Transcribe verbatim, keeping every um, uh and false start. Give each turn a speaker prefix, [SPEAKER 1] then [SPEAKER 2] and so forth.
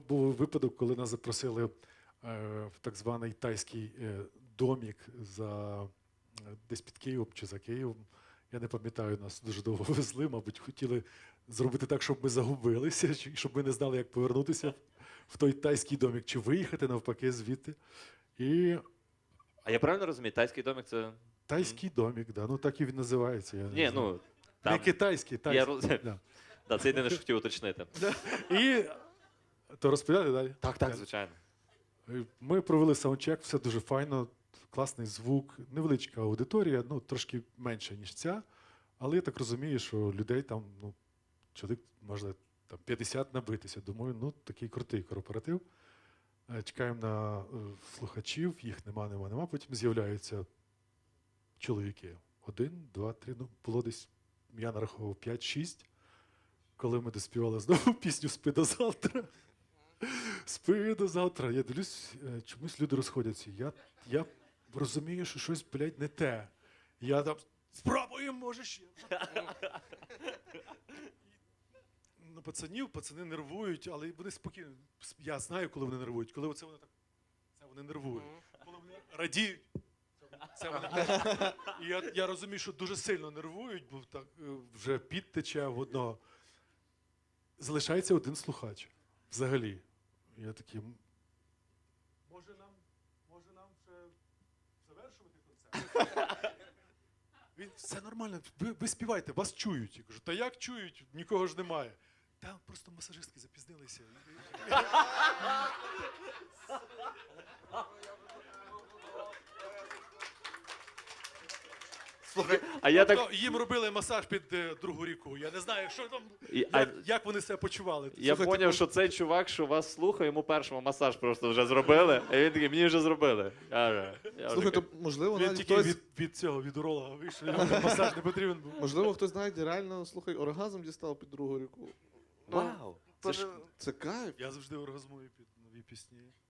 [SPEAKER 1] був випадок, коли нас запросили е, в так званий тайський е, домік за, е, десь під Києвом чи за Києвом. Я не пам'ятаю, нас дуже довго везли, мабуть, хотіли зробити так, щоб ми загубилися, чи- щоб ми не знали, як повернутися в той тайський домік, чи виїхати навпаки звідти. І
[SPEAKER 2] А я правильно розумію, тайський домик це.
[SPEAKER 1] тайський домік, да, ну так і він називається. Я не
[SPEAKER 2] Ні,
[SPEAKER 1] знаю.
[SPEAKER 2] ну.
[SPEAKER 1] Не
[SPEAKER 2] Там...
[SPEAKER 1] китайський,
[SPEAKER 2] Я
[SPEAKER 1] тайський.
[SPEAKER 2] роз...
[SPEAKER 1] Да.
[SPEAKER 2] Да, це єдине, що хотів уточнити.
[SPEAKER 1] І то розповідати далі?
[SPEAKER 2] Так, так, звичайно.
[SPEAKER 1] Ми провели саундчек, все дуже файно, класний звук, невеличка аудиторія, ну трошки менша, ніж ця. Але я так розумію, що людей там, ну, чоловік, може, там п'ятдесят набитися. Думаю, ну такий крутий корпоратив. Е, Чекаємо на е, слухачів, їх нема, нема, нема. Потім з'являються чоловіки. Один, два, три, ну було десь, я нараховував п'ять-шість. Коли ми доспівали знову пісню «Спи до завтра». Спи до завтра. Я дивлюсь, е, чомусь люди розходяться. Я, я розумію, що щось, блядь, не те. Я там, спробуємо, може ще. Ну, пацанів, пацани нервують, але вони спокійно. Я знаю, коли вони нервують. Коли оце вони так, це вони нервують. Коли вони радіють, це вони нервують. І я, я розумію, що дуже сильно нервують, бо так е, вже піт тече в одного. Залишається один слухач. Взагалі. Я такий, «М, може нам, може нам вже завершувати концерт? Він, все нормально, ви, ви співайте, вас чують. Я кажу, та як чують? Нікого ж немає. Там просто масажистки запізнилися.
[SPEAKER 2] Слухай, а я так.
[SPEAKER 1] Тобто їм робили масаж під е, другу ріку. Я не знаю, що там,
[SPEAKER 2] І- а-
[SPEAKER 1] як, як вони себе почували.
[SPEAKER 2] Я зрозумів, що цей чувак, що вас слухає, йому першому масаж просто вже зробили, а він такий, мені вже зробили. Я вже, я вже
[SPEAKER 3] Слухай, то
[SPEAKER 2] такий,
[SPEAKER 3] можливо,
[SPEAKER 1] Він
[SPEAKER 3] навіть
[SPEAKER 1] тільки
[SPEAKER 3] хтось,
[SPEAKER 1] від, від цього, від уролога вийшов, йому масаж не потрібен був.
[SPEAKER 3] можливо, хтось навіть реально, слухай, оргазм дістав під другу ріку.
[SPEAKER 2] Вау! Це ж
[SPEAKER 3] Це кайф.
[SPEAKER 1] Я завжди оргазмую під нові пісні.